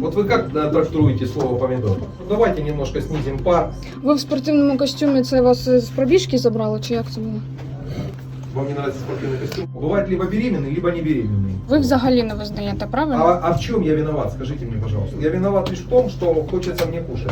Вот вы как трактуете слово помидор? Ну, давайте немножко снизим пар. Ви в спортивному костюмі, це вас з пробіжки забрало, чи як це було? Вам не нравится спортивный костюм? Бывает либо беременный, либо не беременный. Ви взагалі не визнаєте, правильно? А в чем я виноват? Скажите мне, пожалуйста. Я виноват лишь в том, что хочется мне кушать.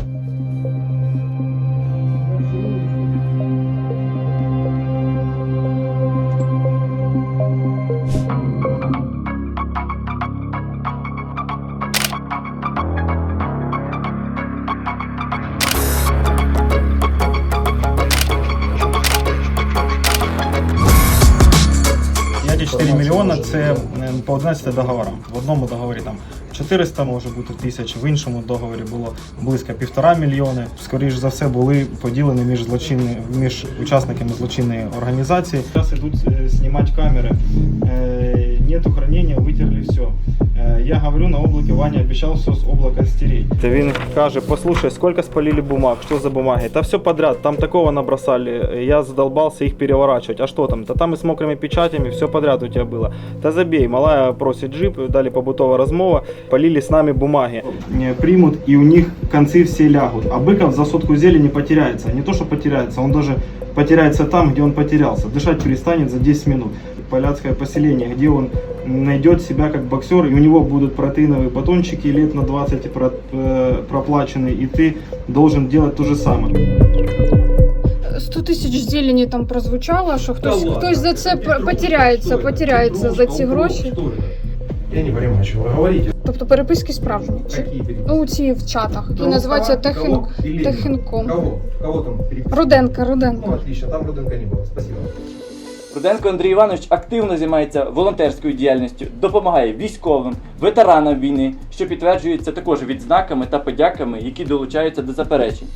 Эти 4 мільйони – це по 11 договорам. В одному договорі там 400, може бути, тисяч, в іншому договорі було близько 1,5 мільйони. Скоріше за все, були поділені між учасниками злочинної організації. Зараз йдуть знімати камери. Нету хранення, витерли все. Я говорю, на облаке Ваня обещал все с облака стереть. Він каже, послушай, сколько спалили бумаг, что за бумаги? Да все подряд, там такого набросали, я задолбался их переворачивать. А что там? Да там и с мокрыми печатями, все подряд у тебя было. Да забей, малая просит джип, дали побутовая размова, полили с нами бумаги. Примут и у них концы все лягут. А Быков за сотку зелени потеряется. Не то, что потеряется, он даже потеряется там, где он потерялся. Дышать перестанет за 10 минут. Поляцкое поселение, где он найдет себя как боксер, и у него будут протеиновые батончики лет на 20 проплаченные, и ты должен делать то же самое. 100 тисяч зелені там прозвучало, що хтось за це потеряється за ці гроші. Я не понимаю, что вы говорите. Тобто переписки справжні. Какие переписки? Ну, ці в чатах, які називаються Техінком. Кого там переписки? Руденка. Ну, отлично, там Руденка не было. Спасибо. Руденко Андрій Іванович активно займається волонтерською діяльністю, допомагає військовим, ветеранам війни, що підтверджується також відзнаками та подяками, які долучаються до заперечень.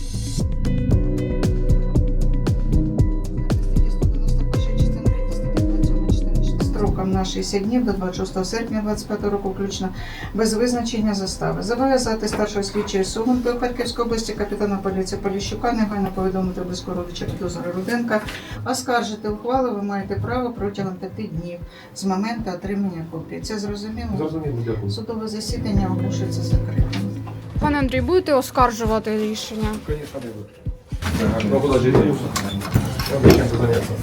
Строком на 60 днів до 26 серпня 2025 року включно, без визначення застави. Зобов'язати старшого слідчого Сугунки у Харківській області капітана поліції Поліщука негайно повідомити близького родича підозри Руденка. Оскаржити ухвалу ви маєте право протягом 5 днів з моменту отримання копії. Це зрозуміло? Зрозуміло, дякую. Судове засідання оголошується закритим. Пане Андрій, будете оскаржувати рішення? Конечно, буду. Ну, куда же это? Я бы чем-то заняться.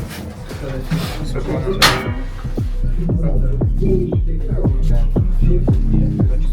Все,